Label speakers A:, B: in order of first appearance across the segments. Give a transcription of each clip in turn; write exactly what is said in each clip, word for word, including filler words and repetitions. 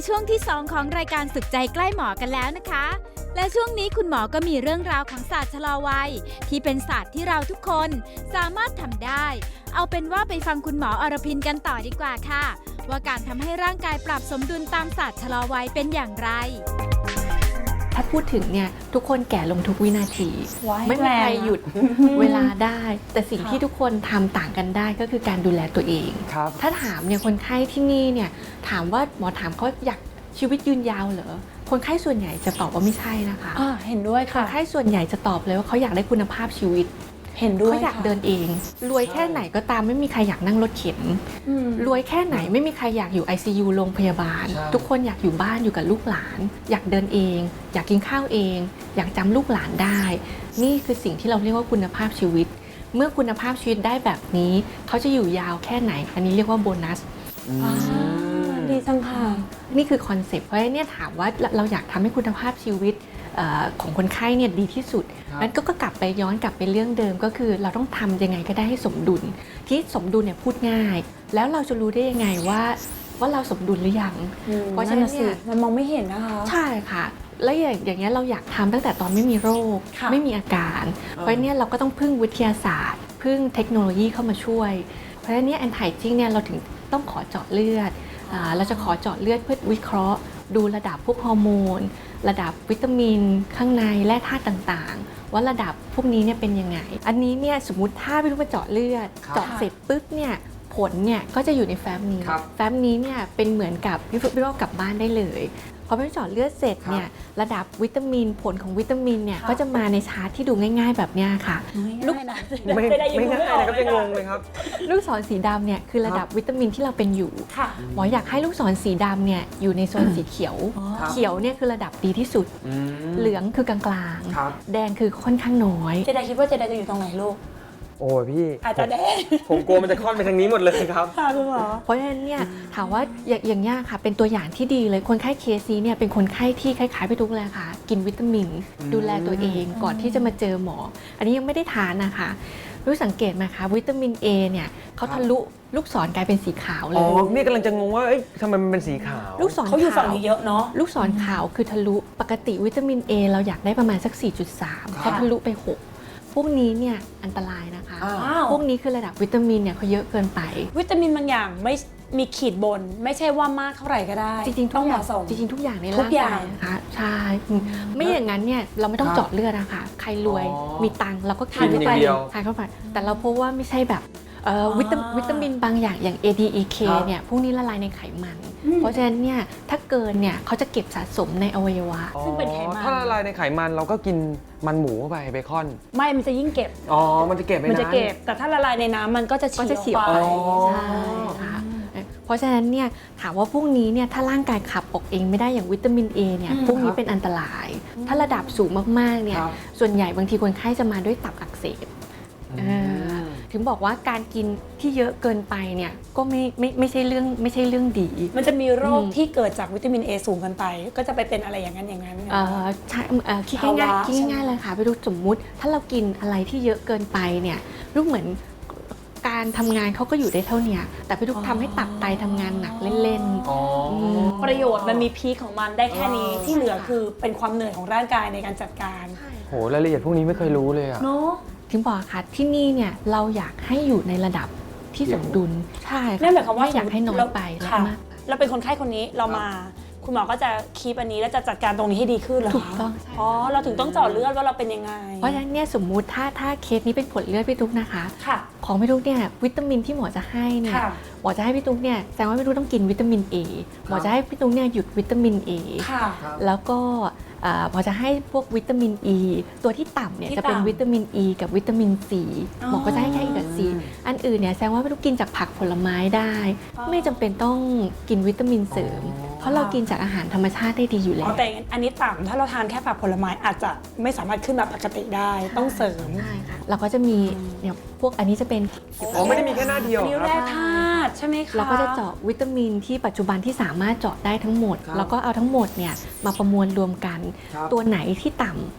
A: ช่วงที่สองของรายการสุขใจใกล้หมอกันแล้วนะคะและช่วงนี้คุณหมอก็มีเรื่องราวของศาสตร์ชะลอวัยที่เป็นศาสตร์ที่เราทุกคนสามารถทำได้เอาเป็นว่าไปฟังคุณหมออรพินกันต่อดีกว่าค่ะว่าการทำให้ร่างกายปรับสมดุลตามศาสตร์ชะลอวัยเป็นอย่างไร
B: ถ้าพูดถึงเนี่ยทุกคนแก่ลงทุกวินาทีไม่มีใครหยุดเวลาได้แต่สิ่งที่ทุกคนทำต่างกันได้ก็คือการดูแลตัวเองถ้าถามเนี่ยคนไข้ที่นี่เนี่ยถามว่าหมอถามเขาอยากชีวิตยืนยาวเหรอคนไข้ส่วนใหญ่จะตอบว่าไม่ใช่นะคะ
C: อ่าเห็นด้วยค่ะ
B: คนไข้ส่วนใหญ่จะตอบเลยว่าเขาอยากได้คุณภาพชีวิต
C: เห็นด้วย
B: เขาอยากเดินเองรวยแค่ไหนก็ตามไม่มีใครอยากนั่งรถเข็นรวยแค่ไหนไม่มีใครอยากอยู่ ไอ ซี ยู โรงพยาบาลทุกคนอยากอยู่บ้านอยู่กับลูกหลานอยากเดินเองอยากกินข้าวเองอยากจำลูกหลานได้นี่คือสิ่งที่เราเรียกว่าคุณภาพชีวิตเมื่อคุณภาพชีวิตได้แบบนี้เขาจะอยู่ยาวแค่ไหนอันนี้เรียกว่าโบนัส
C: ดีจังค่ะ
B: นี่คือคอนเซปต์เพราะฉะนั้นเนี่ยถามว่าเราอยากทำให้คุณภาพชีวิตของคนไข้เนี่ยดีที่สุดนั้นก็กลับไปย้อนกลับไปเรื่องเดิมก็คือเราต้องทำยังไงก็ได้ให้สมดุลที่สมดุลเนี่ยพูดง่ายแล้วเราจะรู้ได้ยังไงว่าว่าเราสมดุลหรือยัง
C: เพราะฉะนั้นเนี่ยมันมองไม่เห็นนะคะ
B: ใช่ค่ะแล้วอย่างอย่างเงี้ยเราอยากทำตั้งแต่ตอนไม่มีโรคไม่มีอาการเพราะเนี่ยเราก็ต้องพึ่งวิทยาศาสตร์พึ่งเทคโนโลยีเข้ามาช่วยเพราะฉะนั้นเนี่ยแอนไทจิ้งเนี่ยเราถึงต้องขอเจาะเลือดเราจะขอเจาะเลือดเพื่อวิเคราะห์ดูระดับพวกฮอร์โมนระดับวิตามินข้างในแร่ธาตุต่างๆว่าระดับพวกนี้เนี่ยเป็นยังไงอันนี้เนี่ยสมมติถ้าพี่ลูกมาเจาะเลือดเจาะเสร็จปุ๊บเนี่ยผลเนี่ยก็จะอยู่ในแฟ้มนี้แฟ้มนี้เนี่ยเป็นเหมือนกับพี่ลูกพี่ลูกกลับบ้านได้เลยพอไปเจาะเลือดเสร็จเนี่ยระดับวิตามินผลของวิตามินเนี่ยก็จะมาในชาร์ตที่ดูง่ายๆแบบนี้ค่ะ
C: ลูก
D: ไม่ไม่ง่ายนะครับจะงงเลยครับ
B: ลูกศรสีดำเนี่ยคือระดับวิตามินที่เราเป็นอยู่หมออยากให้ลูกศรสีดำเนี่ยอยู่ในโซนสีเขียวเขียวเนี่ยคือระดับดีที่สุดเหลืองคือกลางๆแดงคือค่อนข้างน้อย
C: เจไดคิดว่าเจไดจะอยู่ตรงไหนลูก
D: โอ้ยพี่
C: อาจจะแดง
D: ผมกลัวมันจะค่อนไปทางนี้หมดเลยครับ
C: ค่ะคุณหมอ
B: เพราะฉะนั้นเนี่ยถามว่าอย่างนี้ค่ะเป็นตัวอย่างที่ดีเลยคนไข้เคสนี้เนี่ยเป็นคนไข้ที่คล้ายๆไปทุกเลยค่ะกินวิตามินดูแลตัวเองก่อนที่จะมาเจอหมออันนี้ยังไม่ได้ทานนะคะรู้สังเกตไหมคะวิตามิน A เนี่ยเขาทะลุลูกศรกลายเป็นสีขาวเลย
D: อ๋อนี่กำลังจะงงว่าเอ๊ะทำไมมันเป็นสีขาว
B: ลูกศร
C: เขาอยู่ฝั่งนี้เยอะเนาะ
B: ลูกศรขาวคือทะลุปกติวิตามิน A เราอยากได้ประมาณสัก สี่จุดสาม เขาทะลุไปหกพวกนี้เนี่ยอันตรายนะคะพวกนี้คือระดับวิตามินเนี่ยเขาเยอะเกินไป
C: วิตามินบางอย่างไม่มีขีดบนไม่ใช่ว่ามากเท่าไหร่ก็ได้
B: จริงๆทุกอย่างจริงๆทุกอย่างในร่างกายนะคะใช่ไม่อย่างนั้นเนี่ยเราไม่ต้องเจาะเลือดนะคะใครรวยมีตังค์เราก็ทานเข้าไปทานเข้าไปแต่เราพบว่าไม่ใช่แบบวิตามินบางอย่างอย่าง เอ ดี อี เค เนี่ยพวกนี้ละลายในไขมันเพราะฉะนั้นเนี่ยถ้าเกินเนี่ยเขาจะเก็บสะสมในอวัยวะ
C: ซึ่งเป็นไขมัน
D: ถ้าละลายในไขมันเราก็กินมันหมูเข้าไปเบคอน
C: ไม่มันจะยิ่งเก็บ
D: อ๋อมันจะเก็บไม่นาน
C: มันจะเก็บแต่ถ้าละลายในน้ำมันก็จะเฉียวไป
B: ใช่ค่ะเพราะฉะนั้นเนี่ยถามว่าพวกนี้เนี่ยถ้าร่างกายขับออกเองไม่ได้อย่างวิตามิน A เนี่ยพวกนี้เป็นอันตรายถ้าระดับสูงมากๆเนี่ยส่วนใหญ่บางทีคนไข้จะมาด้วยตับอักเสบถึงบอกว่าการกินที่เยอะเกินไปเนี่ยก็ไม่ไม่ไม่ใช่เรื่องไม่ใช่เรื่องดี
C: มันจะมีโรคที่เกิดจากวิตามิน A สูงกันไปก็จะไปเป็นอะไรอย่างนั้นอย่างนั้น
B: เออใช่คิดง่ายๆคิดง่ายๆเลยค่ะไปดูสมมุติถ้าเรากินอะไรที่เยอะเกินไปเนี่ยลูกเหมือนการทำงานเขาก็อยู่ได้เท่านี้แต่ไปทุกทำให้ตับไตทำงานหนักเล่น
C: ๆประโยชน์มันมีพีคของมันได้แค่นี้ที่เหลือคือเป็นความเหนื่อยของร่างกายในการจัดการ
D: โหรายละเอียดพวกนี้ไม่เคยรู้เลยอะ
C: เนาะ
B: ถึงบอกค่ะที่นี่เนี่ยเราอยากให้อยู่ในระดับที่สมดุลใช่
C: นั่นหมายความว่า
B: อยากให้น้อยไป
C: ค่ะเราเป็นคนไข้คนนี้เรามาคุณหมอก็จะคีปอันนี้แล้วจะจัดการตรงนี้ให้ดีขึ้นเหรอ
B: ถูกต้อง
C: อ๋อเราถึงต้องเจาะเลือดว่าเราเป็นยังไง
B: เพราะฉะนั้นเนี่ยสมมุติถ้าถ้าเคสนี้เป็นผลเลือดพี่ตุ๊กนะคะของพี่ตุ๊กเนี่ยวิตามินที่หมอจะให้เนี่ยหมอจะให้พี่ตุ๊กเนี่ยแสดงว่าพี่ตุ๊กต้องกินวิตามิน A หมอจะให้พี่ตุ๊กเนี่ยหยุดวิตามิน A แล้วก็พอจะให้พวกวิตามิน E ตัวที่ต่ำเนี่ยจะเป็นวิตามิน E กับวิตามิน C หมอก็จะให้แค่ E กับ C อันอื่นเนี่ยแสดงว่าไม่ต้องกินจากผักผลไม้ได้ไม่จำเป็นต้องกินวิตามินเสริมเพราะเรากินจากอาหารธรรมชาติได้ดีอยู่แล้ว
C: แต่อันนี้ต่ำถ้าเราทานแค่ผักผลไม้อาจจะไม่สามารถขึ้นมาปกติได้ต้องเสริม
B: ใช่ค่ะเราก็จะมีเนี่ยพวกอันนี้จะเป็น
D: อ๋อไม่ได้มีแค่หน้าเดียว
C: นิ้วแร่ธาตุใช่ไหมคะ
B: เราก็จะเจาะวิตามินที่ปัจจุบันที่สามารถเจาะได้ทั้งหมดแล้วก็เอาทั้งหมดเนี่ยมาประมวลรวมกันตัวไหนที่ต่ำ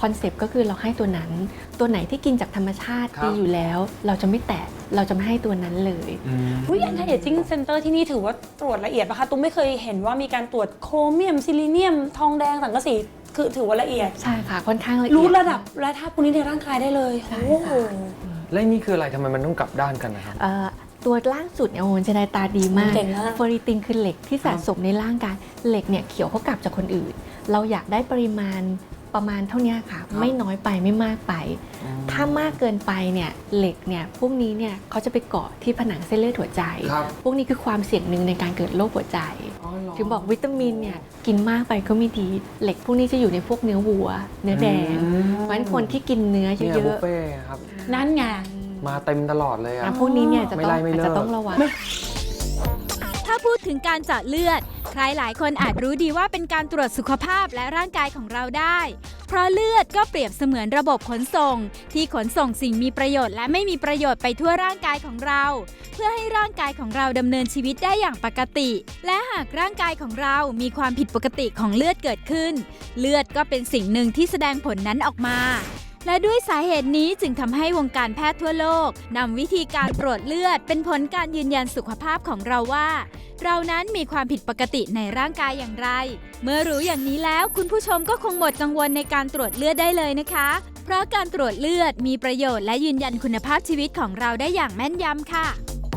B: คอนเซปต์ก็คือเราให้ตัวนั้น ตัวไหนที่กินจากธรรมชาติ
D: ครับ
B: ดีอยู่แล้ว เราจะไม่แตะเราจะไม่ให้ตัวนั้นเลย
C: อุ้ย Anti-Aging Center ที่นี่ถือว่าตรวจละเอียดปะคะตุ้มไม่เคยเห็นว่ามีการตรวจโครเมียมซิลิเนียมทองแดงสังกะสีคือถือว่าละเอียด
B: ใช่ค่ะค่อนข้างละเอียด
C: รู้ระดับและธาตุพวกนี้ในร่างกายได้เลย
B: ใช่
C: โอ้
B: ค่ะ
C: โห
D: และนี่คืออะไรทำไมมันต้องกลับด้านกันนะครับ
B: เอ่อตัวล่างสุดเนี่ยโอ้โหจะได้ตาดีมาก
C: เก่งมาก
B: เฟอริตินคือเหล็กที่สะสมในร่างกายเหล็กเนี่ยเขียวเขากลับจากคนอื่น เราอยากได้ปริมาณประมาณเท่านี้ค่ะ ไม่น้อยไปไม่มากไป ถ้ามากเกินไปเนี่ยเหล็กเนี่ยพวกนี้เนี่ยเขาจะไปเกาะที่ผนังเส้นเลือดหัวใจ
D: ครับ
B: พวกนี้คือความเสี่ยงหนึ่งในการเกิดโรคหัวใจ
D: อ๋อเหรอ
B: ถึงบอกวิตามินเนี่ยกินมากไปก็ไม่ดี เหล็กพวกนี้จะอยู่ในพวกเนื้อวัว เนื้อแดง
D: อืม
B: เพราะฉะนั้นคนที่กินเนื้อ
D: เนี่ย
B: เย
D: บุ
B: อะ
D: ฟเฟ่ต์ครับ
C: นั่นไง
D: มาเต็มตลอดเลย
B: ๆ
D: อะ
B: อ่ะพวกนี้เนี่ยจะ
D: ไม่
B: ต้อง
D: ไล่ไม่
B: อาจ
D: เลิก
B: จะต้องระวัง
A: ถ้าพูดถึงการเจาะเลือด ใครหลายคนอาจรู้ดีว่าเป็นการตรวจสุขภาพและร่างกายของเราได้ เพราะเลือดก็เปรียบเสมือนระบบขนส่ง ที่ขนส่งสิ่งมีประโยชน์และไม่มีประโยชน์ไปทั่วร่างกายของเรา เพื่อให้ร่างกายของเราดำเนินชีวิตได้อย่างปกติ และหากร่างกายของเรามีความผิดปกติของเลือดเกิดขึ้น เลือดก็เป็นสิ่งหนึ่งที่แสดงผลนั้นออกมา และด้วยสาเหตุนี้จึงทำให้วงการแพทย์ทั่วโลกนำวิธีการตรวจเลือดเป็นผลการยืนยันสุขภาพของเราว่า เรานั้นมีความผิดปกติในร่างกายอย่างไร เมื่อรู้อย่างนี้แล้วคุณผู้ชมก็คงหมดกังวลในการตรวจเลือดได้เลยนะคะ เพราะการตรวจเลือดมีประโยชน์และยืนยันคุณภาพชีวิตของเราได้อย่างแม่นยำค่ะ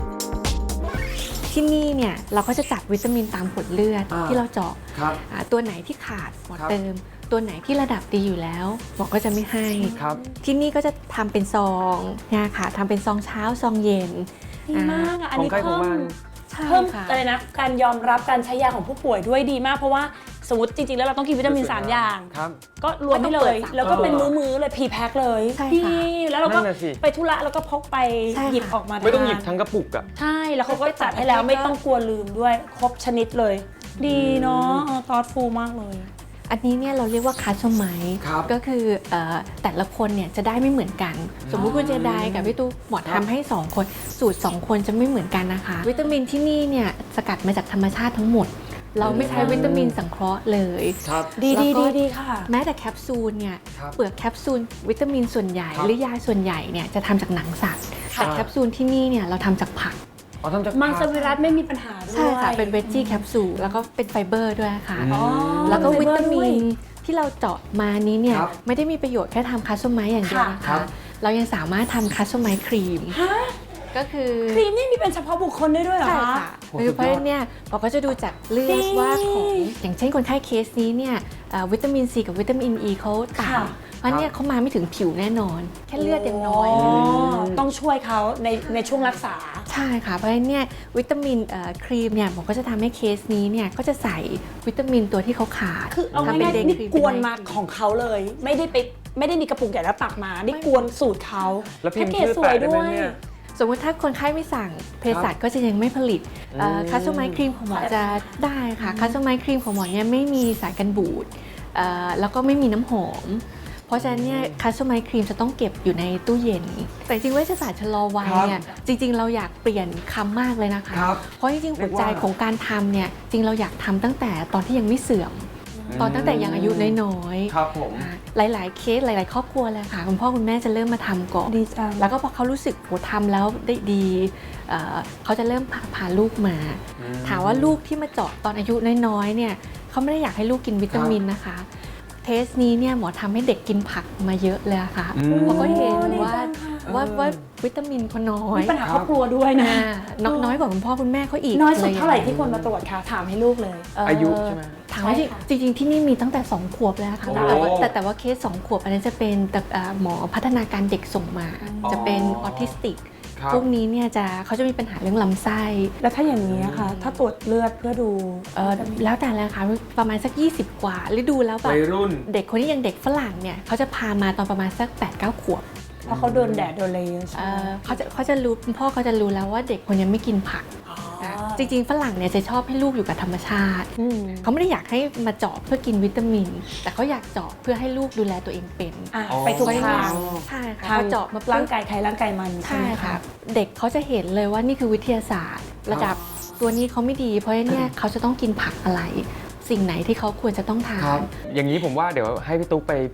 B: ที่นี่เนี่ยเราก็จะจัดวิตามินตามผลเลือด
D: อ่า
B: ที่เราเจาะ
D: ครับ
B: อ่าตัวไหนที่ขาดหมอ
D: ครับ
B: เติม ตัวไหนที่ระดับดีอยู่แล้วหมอก็จะไม่ให้
D: ครับ
B: ที่นี่ก็จะทำเป็นซองเนี่ยค่ะทำเป็นซองเช้าซองเย็น
C: ดีมากอ่ะ อัน
D: ของ
C: นี้
D: ใครของ
C: เพิ่ม
D: มัน
B: ใช่
C: เพิ่ม
B: ค่ะ
C: อะไรนะ การยอมรับการใช้ยาของผู้ป่วยด้วยดีมาก เพราะว่าสมมติจริงๆ แล้วเราต้องกินวิตามิน 3 อย่าง
D: ครับ
C: ก็รวมไปเล
B: ไม่ต้องเปิ
C: ย
B: ดสาม
C: แล้วก็เป็น
D: เออ
C: มื้อๆเลยพรีแพ็คเลย
B: ใช่
C: ดี
B: ค่ะ
C: แล้วเราก็
D: นั่นน่ะสิ
C: ไปธุระแล้วก็พกไป
B: ใช่ค่ะ
C: หยิบออกมา
D: ไม่ต้องหยิบ
C: ทาน
D: ทั้งกระปุกอะ
C: ใช่ แล้วเขาก็จัดให้แล้วไม่ต้องกลัวลืมด้วย ครบชนิดเลย ดีเนาะตอดฟูมากเลย
B: อันนี้เนี่ยเราเรียกว่าคัสตอมไมซ์
D: ครับ
B: ก็คือเอ่อแต่ละคนเนี่ยจะได้ไม่เหมือนกัน สมมุติคุณเจไดกับพี่ตู้หมอทำให้สองคนสูตรสองคนจะไม่เหมือนกันนะคะ วิตามินที่นี่เนี่ยสกัดมาจากธรรมชาติทั้งหมด เราไม่ใช้วิตามินสังเคราะห์เลย
D: ครับ
C: ดี
B: แล้ว
C: ดี
B: ก็
C: ดีดีค่ะ
B: แม้แต่แคปซูลเนี่ย
D: ครับ
B: เปลือกแคปซูลวิตามินส่วนใหญ่
D: ครับ
B: หรือยาส่วนใหญ่เนี่ยจะทำจากหนังสัตว์
D: ครับ
B: แต่แคปซูลที่นี่เนี่ยเราทำจากผัก
D: อ๋อทำจาก
C: มังส
D: ผัก
C: วิรัตไม่มีปัญหาด้วย
B: ใช่ค่ะเป็นเวจจี้แคปซูลแล้วก็เป็นไฟเบอร์ด้วยค่ะ
D: อืม
C: อ๋อ
B: แล้วก็
C: ไฟ
B: วิ
C: เบอร์
B: ตามิ
C: ด้วย
B: นที่เราเจาะมานี้เนี่ย
D: ครับ
B: ไม่ได้มีประโยชน์แค่ทำคัสตอมไมซ์อย่างเดียวนะ
D: ครั
B: คะ
D: บ
B: เรายังสามารถทำคัสตอมไมซ์ครีม
C: ฮะ
B: ก็คือ
C: ครีมนี่มีเป็นเฉพาะบุคคลได้ด้วยเหรอ
B: ใช่
C: คะ
B: ค่ะ
D: โอ้
B: คือ
D: สุดยอด
B: เพราะฉะนั้นเนี่ยเราก็จะดูจากเลือ
C: ดี
B: ดว่าของอย่างเช่นคนไข้เคสนี้เนี่ยเอ่อวิตามินซีกับวิตามินอ e ีเขาต่
C: ค่ะ
B: ำเพราะเนี่ยเขามาไม่ถึงผิวแน่นอน แค่เลือดยังน้อย
C: อ๋
B: เล
C: อย ต้องช่วยเขาในในช่วงรักษา
B: ใช่ค่ะเพราะฉะนั้นเนี่ยวิตามินเอ่อครีมเนี่ยหมอก็จะทำให้เคสนี้เนี่ยก็จะใส่วิตามินตัวที่เขาขาด
C: คือเอา
B: ทำเป็น
C: ง่าย
B: เดย์
C: ๆนี่
B: ครีม
C: กวน
B: เป็
C: มา
B: ไนท์ครี
C: ของเขาเลย ไม่ได้ไปไม่ได้มีกระปุกใหญ่แล้วตักมา นี่กวนสูตรเขา
D: แล้วพิมพ์
C: พ็กเกจ
D: ชื่อ
C: สวย
D: แปะได้
C: ด้
D: ไหม
C: วย
D: เนี่ย
B: สมมติถ้าคนไข้ไม่สั่งเภสัชก็จะยังไม่ผลิต
D: อืม
B: คัสตอมไมซ์ครีมของหมอจะได้ค่ะคัสตอมไมซ์ครีมของหมอเนี่ยไม่มีสารกันบูดเอ่อแล้วก็ไม่มีน้ำหอม เพราะฉะนั้นเนี่ยคัสตอมไมซ์ครีมจะต้องเก็บอยู่ในตู้เย็น แต่จริงๆเวชศาสตร์ชะลอวัยเนี่ยจริงๆ เราอยากเปลี่ยนคำมากเลยนะคะ
D: ครับ
B: เพราะจริงๆ
D: เรี
B: หั
D: ยว กว่า
B: ใจของการทำเนี่ยจริงเราอยากทำตั้งแต่ตอนที่ยังไม่เสื่อม ตอนตั้งแต่ยังอายุน้อยๆ
D: ครับผม
B: อ่าหลายๆ เคสหลาย ๆ ครอบครัวเลยค่ะคุณพ่อคุณแม่จะเริ่มมาทำก่อน
C: ดีจัง
B: แล้วก็พอเขารู้สึกโหทำแล้วได้ดีเอ่อเขาจะเริ่มพาพาลูกมา
D: อืม
B: ถามว่าลูกที่มาเจาะตอนอายุน้อยๆเนี่ยเขาไม่ได้อยากให้ลูกกินวิตามินนะคะ เทสนี้เนี่ยหมอทำให้เด็กกินผักมาเยอะเลยอะค่ะ
D: อืม
B: เพราะเขาเห็น
C: โอ้ดี
B: ว่า
C: จังค่ะ
B: ว่า
D: เออ
B: ว่าวิตามินเขาน้อย
C: มีปัญหาครอบครัวด้วยนะ
B: อ่าน้อยน้อยกว่าคุณพ่อคุณแม่เขาอีก
C: น้อยสุด
B: ล
C: เท่าไหร่ที่ควรมาตรวจคะถามให้ลูกเลย
B: เ
D: อายุใช่ไหม
B: ถามว่า
C: ใช่ค่ะ
B: จริงๆที่นี่มีตั้งแต่สองขวบแล้วค่ะ
D: โอ้
B: แต่ว่าแต่แต่ว่าเคสสองขวบอันนี้นจะเป็นแต่เอ่อหมอพัฒนาการเด็กส่งมา
D: อ๋อ
B: จะเป็นออทิสติก
D: ครับ
B: พวกนี้เนี่ยจะเขาจะมีปัญหาเรื่องลำไส้
C: แล้วถ้าอย่างนี้ค่ะ ถ้าตรวจเลือดเพื่อดู
B: เอ่อแล้วแต่แล้วค่ะประมาณสัก ยี่สิบ กว่าหรือดูแล้วแบบ
D: วัยรุ่น
B: เด็กคนนี้ยังเด็กฝรั่งเนี่ยเขาจะพามาตอนประมาณสัก แปดเก้า ขวบ
C: เพราะเขาโดนแดดโดนอะไรเยอะใช่
B: เอ่
C: ไหม
B: อเขาจะเขาจะรู้คุณพ่อเขาจะรู้แล้วว่าเด็กคนนี้ไม่กินผัก
C: อ๋อ
B: จริงๆฝรั่งเนี่ยจะชอบให้ลูกอยู่กับธรรมชาติ
C: อืม
B: เขาไม่ได้อยากให้มาเจาะเพื่อกินวิตามิน แต่เขาอยากเจาะเพื่อให้ลูกดูแลตัวเองเป็น
C: อ่ะ
D: อ๋อ
C: ไปทุกทาง
B: ใช่ค่ะ
C: ทาง
B: พอเจาะมาปุ๊บ
C: ร่างกายใครร่างกายมันใช่
B: ใช่
C: ไหม
B: ค่ะ
C: คะ
B: เด็กเขาจะเห็นเลยว่านี่คือวิทยาศาสตร์ ระดับตัวนี้เขาไม่ดี เพราะฉะนั้นเนี่ยเขาจะต้องกินผักอะไร สิ่งไหนที่เขาควรจะต้องทา
D: ครับ
B: น
D: อย่างนี้ผมว่าเดี๋ยวให้พี่ตุ๊กไป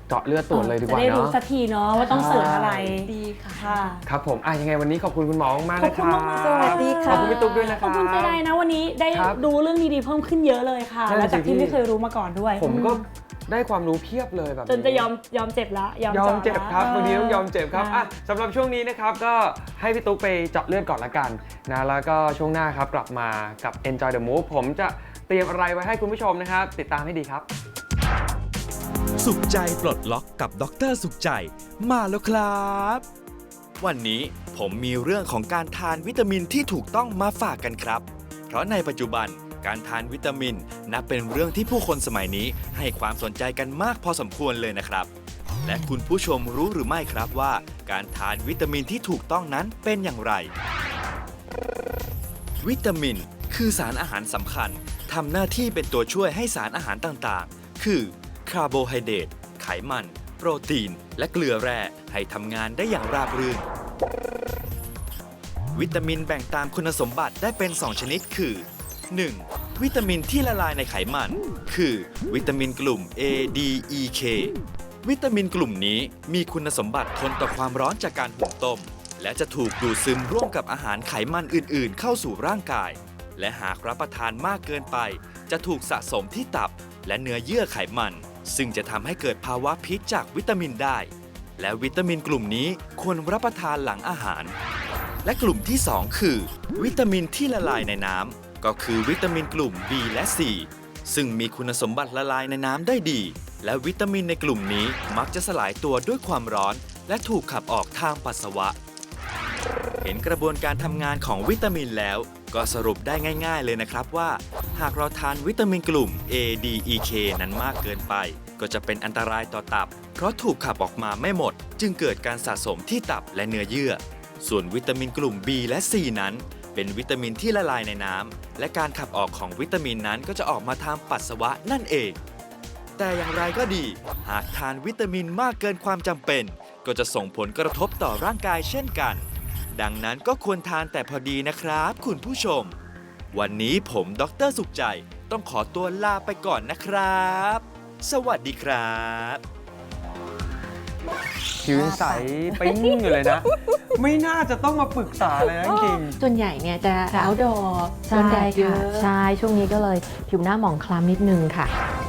D: เจาะเลือดตรวจเลยดีก
C: จะ
D: ว่า
C: ได้รู้
D: เนาะ
C: สักทีเนาะว่าต้องเสิร์ชอะไร
B: ดีค่ะ
C: ค่ะ
D: ครับผมอ่ะยังไงวันนี้ขอบคุณคุณหมอมากๆ
C: ข
D: เล
C: อบ
D: ย
C: คุ
D: ค
C: ณ
D: รับ
C: มากๆค่ะ
B: สวัสดีค่ะ
D: ขอบคุณพี่ตุ๊กด้วยนะค
C: ข
D: รั
C: อ
D: บบ
C: คุณไปได้นะวันนี้ได้
D: ครับ
C: ดูเรื่องดีๆเพิ่มขึ้นเยอะเลยค่ะ
D: นั่น
C: และ
D: น่ะสิ
C: จากที่
D: พี่
C: ไม่เคยรู้มาก่อนด้วย
D: ผมก็ได้ความรู้เพียบเลยแบบ
C: จนจะยอมยอมเจ็บละยอม
D: ยอม
C: จาะ
D: เจ็บครับ
C: ละ
D: วันนี้ต้องยอมเจ็บครับ
C: ะ
D: อ่ะสำหรับช่วงนี้นะครับก็ให้พี่ตุ๊กไปเจาะเลือดก่อนละกันนะแล้วก็ช่วงหน้าครับกลับมากับ Enjoy the Move ผมจะเตรียมอะไรไว้ให้คุณผู้ชมนะครับติดตามให้ดีครับ
E: สุขใจปลดล็อกกับดรสุขใจมาแล้วครับ วันนี้ผมมีเรื่องของการทานวิตามินที่ถูกต้องมาฝากกันครับ เพราะในปัจจุบันการทานวิตามินนับเป็นเรื่องที่ผู้คนสมัยนี้ให้ความสนใจกันมากพอสมควรเลยนะครับ และคุณผู้ชมรู้หรือไม่ครับว่าการทานวิตามินที่ถูกต้องนั้นเป็นอย่างไร วิตามินคือสารอาหารสำคัญทำหน้าที่เป็นตัวช่วยให้สารอาหารต่างๆ คือคาร์โบไฮเดรตไขมัน โปรตีน และเกลือแร่ให้ทำงานได้อย่างราบรื่น วิตามินแบ่งตามคุณสมบัติได้เป็น สอง ชนิดคือ หนึ่ง วิตามินที่ละลายในไขมัน คือวิตามินกลุ่ม A D E K วิตามินกลุ่มนี้มีคุณสมบัติทนต่อความร้อนจากการหุงต้ม และจะถูกดูดซึมร่วมกับอาหารไขมันอื่นๆ เข้าสู่ร่างกาย และหากรับประทานมากเกินไป จะถูกสะสมที่ตับและเนื้อเยื่อไขมัน ซึ่งจะทำให้เกิดภาวะพิษจากวิตามินได้ และวิตามินกลุ่มนี้ควรรับประทานหลังอาหาร และกลุ่มที่ สอง คือ วิตามินที่ละลายในน้ำก็คือวิตามินกลุ่ม B และ C ซึ่งมีคุณสมบัติละลายในน้ำได้ดี และวิตามินในกลุ่มนี้มักจะสลายตัวด้วยความร้อน และถูกขับออกทางปัสสาวะ เห็นกระบวนการทำงานของวิตามินแล้ว ก็สรุปได้ง่ายๆเลยนะครับว่า หากเราทานวิตามินกลุ่ม A D E K นั้นมากเกินไป ก็จะเป็นอันตรายต่อตับ เพราะถูกขับออกมาไม่หมด จึงเกิดการสะสมที่ตับและเนื้อเยื่อ ส่วนวิตามินกลุ่ม B และ C นั้น เป็นวิตามินที่ละลายในน้ำ และการขับออกของวิตามินนั้นก็จะออกมาทางปัสสาวะนั่นเอง แต่อย่างไรก็ดี หากทานวิตามินมากเกินความจำเป็น ก็จะส่งผลกระทบต่อร่างกายเช่นกัน ดังนั้นก็ควรทานแต่พอดีนะครับคุณผู้ชม วันนี้ผมดรสุขใจต้องขอตัวลาไปก่อนนะครับ สวัสดีครับ
D: ผิวใสปิ้งอยู่เลยนะ ไม่น่าจะต้องมาปรึกษาเลยนะจริง
B: ส่วนใหญ่เนี่ยจะ outdoor โด
F: ใช่
B: นแดดเย
F: ค่ะ
B: อะ
F: ใช่ช่วงนี้ก็เลยผิวหน้าหมองคล้ำนิดนึงค่ะ